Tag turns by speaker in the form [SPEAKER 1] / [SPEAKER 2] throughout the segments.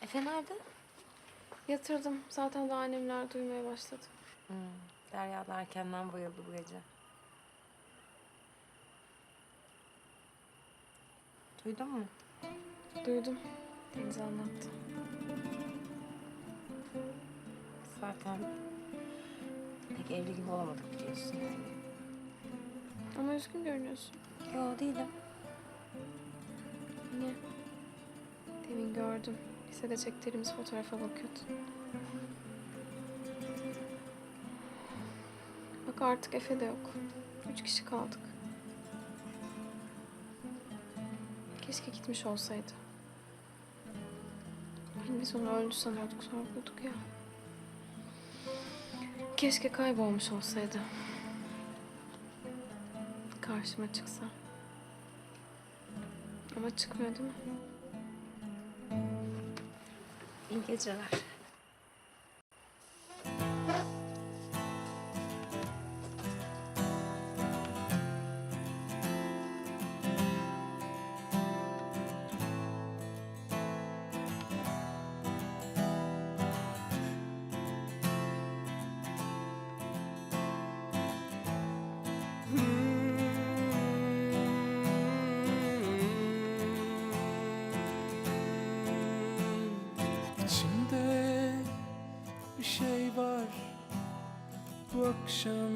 [SPEAKER 1] Efe nerede?
[SPEAKER 2] Yatırdım. Zaten daha annemler duymaya başladı.
[SPEAKER 1] Derya da erkenden bayıldı bu gece. Duydun mu?
[SPEAKER 2] Duydum. Deniz anlattı.
[SPEAKER 1] Zaten pek evli gibi olamadık biliyorsun yani.
[SPEAKER 2] Ama üzgün görünüyorsun.
[SPEAKER 1] Yo değilim.
[SPEAKER 2] Niye? Demin gördüm. Lisede çektirdiğimiz fotoğrafa bakıyordun. Bak artık Efe de yok. 3 kişi kaldık. Keşke gitmiş olsaydı. Hani biz onu öldü sanıyorduk, sonra bulduk ya. Keşke kaybolmuş olsaydı. Karşıma çıksa. Ama çıkmıyor değil mi?
[SPEAKER 1] İyi geceler.
[SPEAKER 3] İçimde bir şey var bu akşam.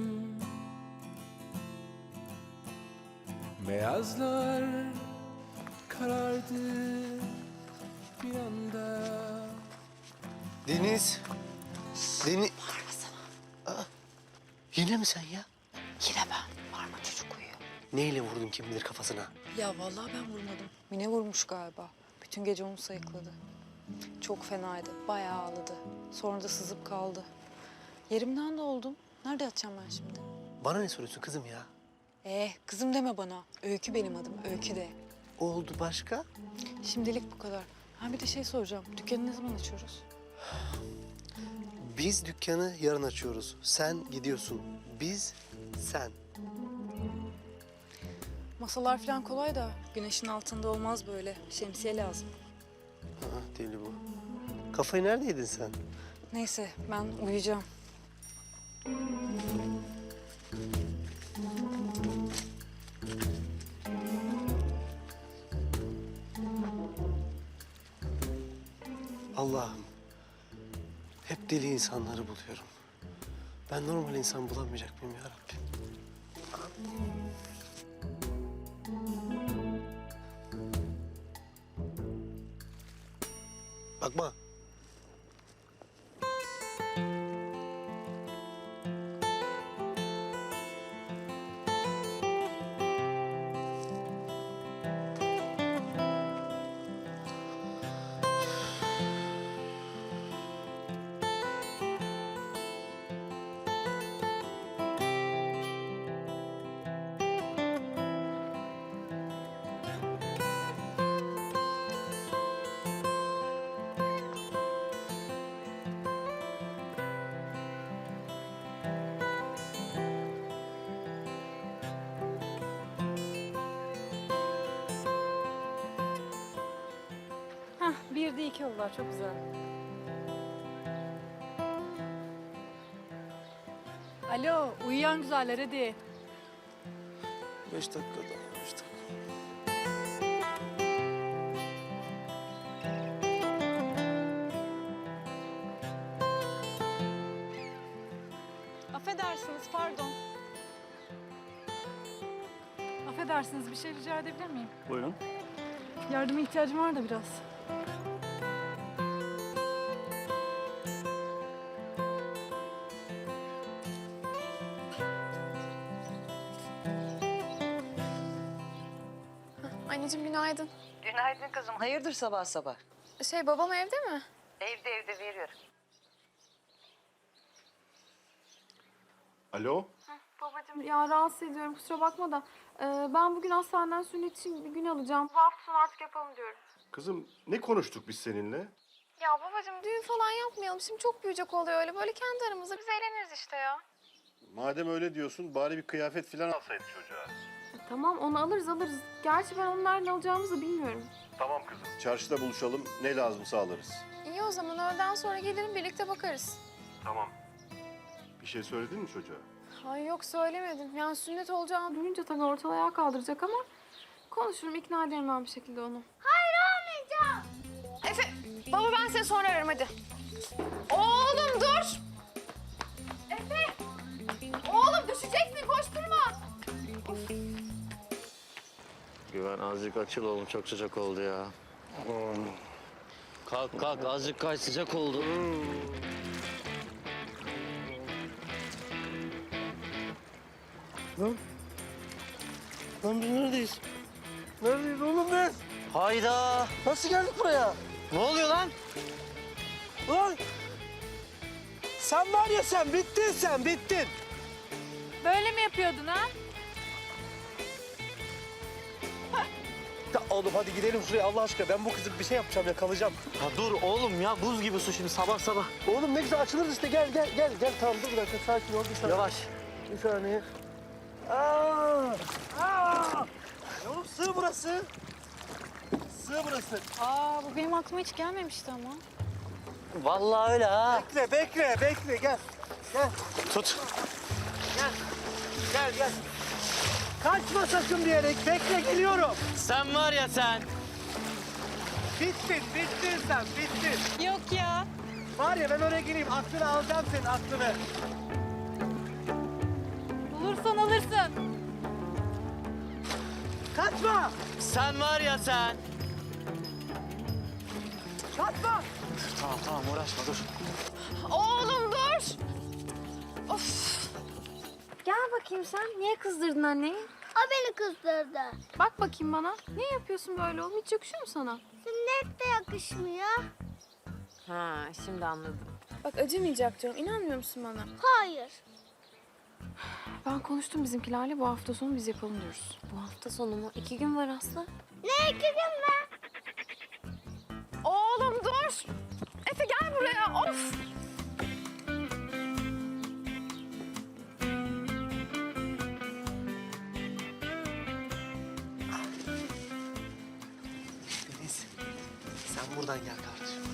[SPEAKER 3] Beyazlar karardı bir anda.
[SPEAKER 4] Deniz. Deniz. Aa, yine mi sen ya?
[SPEAKER 5] Yine ben. Parma çocuk uyuyor.
[SPEAKER 4] Neyle vurdun kim bilir kafasına?
[SPEAKER 5] Ya vallahi ben vurmadım. Mine vurmuş galiba. Bütün gece onu sayıkladı. Çok fenaydı. Bayağı ağladı. Sonra da sızıp kaldı. Yerimden de oldum. Nerede yatacağım ben şimdi?
[SPEAKER 4] Bana ne soruyorsun kızım ya?
[SPEAKER 5] Kızım deme bana. Öykü benim adım. Öykü de.
[SPEAKER 4] O oldu başka?
[SPEAKER 5] Şimdilik bu kadar. Ha bir de şey soracağım. Dükkanı ne zaman açıyoruz?
[SPEAKER 4] Biz dükkanı yarın açıyoruz. Sen gidiyorsun. Biz, sen.
[SPEAKER 5] Masalar falan kolay da güneşin altında olmaz böyle. Şemsiye lazım.
[SPEAKER 4] Deli bu. Kafayı nerede yedin sen?
[SPEAKER 5] Neyse ben uyuyacağım.
[SPEAKER 4] Allah'ım. Hep deli insanları buluyorum. Ben normal insan bulamayacak mıyım ya Rabbi? Bakma.
[SPEAKER 5] Hah bir de iki oldular. Çok güzel. Alo uyuyan güzeller hadi.
[SPEAKER 4] 5 dakika daha, 5 dakika.
[SPEAKER 5] Affedersiniz, pardon. Affedersiniz, bir şey rica edebilir miyim?
[SPEAKER 6] Buyurun.
[SPEAKER 5] Yardıma ihtiyacım var da biraz.
[SPEAKER 2] Anneciğim günaydın.
[SPEAKER 7] Günaydın kızım. Hayırdır sabah sabah?
[SPEAKER 2] Babam evde mi?
[SPEAKER 7] Evde veriyorum.
[SPEAKER 6] Alo?
[SPEAKER 2] Babacığım ya rahatsız ediyorum kusura bakma da. Ben bugün hastaneden sünnet için bir gün alacağım. Bu hafta sonu artık yapalım diyorum.
[SPEAKER 6] Kızım ne konuştuk biz seninle?
[SPEAKER 2] Ya babacığım düğün falan yapmayalım. Şimdi çok büyüyecek oluyor öyle. Böyle kendi aramızda biz eğleniriz işte ya.
[SPEAKER 6] Madem öyle diyorsun bari bir kıyafet falan alsaydık çocuğa.
[SPEAKER 2] Tamam onu alırız. Gerçi ben onun nereden alacağımızı bilmiyorum.
[SPEAKER 6] Tamam kızım. Çarşıda buluşalım. Ne lazımsa alırız.
[SPEAKER 2] İyi İyi o zaman öğleden sonra gelirim birlikte bakarız.
[SPEAKER 6] Tamam. Bir şey söyledin mi çocuğa?
[SPEAKER 2] Ay yok söylemedim. Yani sünnet olacağını duyunca tabii ortalığı ayağa kaldıracak ama konuşurum, ikna ederim ben bir şekilde onu. Hayır olmayacağım. Efe, baba ben seni sonra ararım hadi. Oğlum dur. Efe. Oğlum düşeceksin, koşturma.
[SPEAKER 8] Güven azıcık açıl oğlum, çok sıcak oldu ya. Kalk kalk, azıcık kay, sıcak oldu.
[SPEAKER 4] Lan biz neredeyiz? Neredeyiz oğlum biz?
[SPEAKER 8] Hayda!
[SPEAKER 4] Nasıl geldik buraya?
[SPEAKER 8] Ne oluyor lan?
[SPEAKER 4] Lan! Sen var ya sen, bittin sen, bittin.
[SPEAKER 2] Böyle mi yapıyordun ha?
[SPEAKER 4] Ya oğlum hadi gidelim şuraya Allah aşkına. Ben bu kızı bir şey yapacağım, yakalayacağım.
[SPEAKER 8] Ya dur oğlum ya, buz gibi su şimdi sabah sabah.
[SPEAKER 4] Oğlum ne güzel açılırız işte. Gel. Tamam dur bir dakika, sakin ol. Bir saniye.
[SPEAKER 8] Yavaş.
[SPEAKER 4] Bir saniye. Ya oğlum sığ burası. Sığ burası.
[SPEAKER 5] Aa bu benim aklıma hiç gelmemişti ama.
[SPEAKER 8] Vallahi öyle ha.
[SPEAKER 4] Bekle. Gel.
[SPEAKER 8] Tut.
[SPEAKER 4] Gel. Kaçma sakın diyerek. Bekle, geliyorum.
[SPEAKER 8] Sen var ya sen.
[SPEAKER 4] Bittin sen, bittin.
[SPEAKER 5] Yok ya.
[SPEAKER 4] Var ya ben oraya gireyim, aklını alacağım senin, aklını.
[SPEAKER 5] Bulursan alırsın.
[SPEAKER 4] Kaçma!
[SPEAKER 8] Sen var ya sen.
[SPEAKER 4] Kaçma!
[SPEAKER 8] Tamam uğraşma dur.
[SPEAKER 2] Oğlum dur.
[SPEAKER 1] Gel bakayım sen. Niye kızdırdın anneyi?
[SPEAKER 9] O beni kızdırdı.
[SPEAKER 2] Bak bakayım bana. Niye yapıyorsun böyle oğlum? Hiç yakışıyor mu sana?
[SPEAKER 9] Sünnet de yakışmıyor.
[SPEAKER 1] Ha, şimdi anladım.
[SPEAKER 2] Bak acımayacak diyorum. İnanmıyor musun bana?
[SPEAKER 9] Hayır.
[SPEAKER 2] Ben konuştum bizimkilerle. Bu hafta sonu biz yapalım diyoruz.
[SPEAKER 1] Bu hafta sonu mu? 2 gün var Aslı.
[SPEAKER 9] Ne 2 gün mü?
[SPEAKER 2] Oğlum dur. Efe gel buraya. Of.
[SPEAKER 4] Deniz, sen buradan gel kardeşim.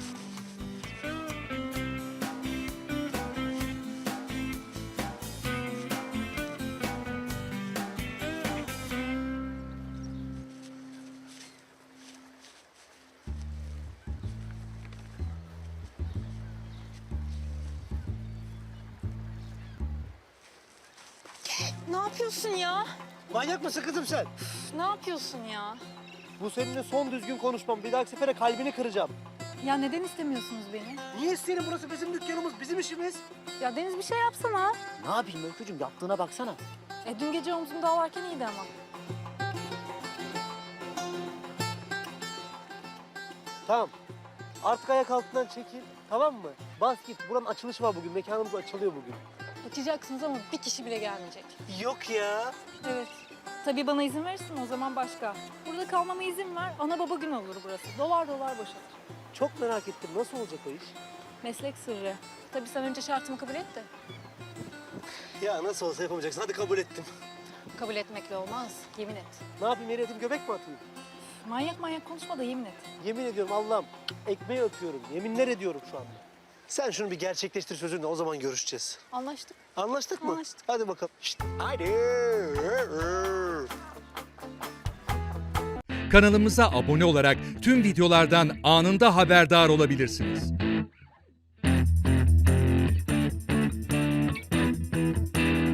[SPEAKER 5] Ne yapıyorsun ya?
[SPEAKER 4] Manyak mısın kızım sen?
[SPEAKER 5] Ne yapıyorsun ya?
[SPEAKER 4] Bu seninle son düzgün konuşmam. Bir dahaki sefere kalbini kıracağım.
[SPEAKER 5] Ya neden istemiyorsunuz beni?
[SPEAKER 4] Niye isteyelim? Burası bizim dükkanımız, bizim işimiz.
[SPEAKER 5] Ya Deniz bir şey yapsana.
[SPEAKER 8] Ne yapayım Öykücüğüm, yaptığına baksana.
[SPEAKER 5] Dün gece omzumda ağlarken iyiydi ama.
[SPEAKER 4] Tamam. Artık ayak altından çekil. Tamam mı? Bas git. Buranın açılışı var bugün. Mekanımız açılıyor bugün.
[SPEAKER 5] Açacaksınız ama bir kişi bile gelmeyecek.
[SPEAKER 4] Yok ya.
[SPEAKER 5] Evet. Tabii bana izin verirsin o zaman başka. Burada kalmama izin ver. Ana baba gün olur burası. Dolar dolar boşalır.
[SPEAKER 4] Çok merak ettim. Nasıl olacak o iş?
[SPEAKER 5] Meslek sırrı. Tabii sen önce şartımı kabul et de.
[SPEAKER 4] Ya nasıl olsa yapamayacaksın. Hadi kabul ettim.
[SPEAKER 5] Kabul etmekle olmaz. Yemin et.
[SPEAKER 4] Ne yapayım? Yere edeyim, göbek mi atayım?
[SPEAKER 5] Manyak manyak konuşma da yemin et.
[SPEAKER 4] Yemin ediyorum Allah'ım. Ekmeği öpüyorum. Yeminler ediyorum şu anda. Sen şunu bir gerçekleştir sözünle. O zaman görüşeceğiz.
[SPEAKER 5] Anlaştık.
[SPEAKER 4] Anlaştık mı?
[SPEAKER 5] Anlaştık.
[SPEAKER 4] Hadi bakalım. Şişt. Haydi.
[SPEAKER 10] Kanalımıza abone olarak tüm videolardan anında haberdar olabilirsiniz.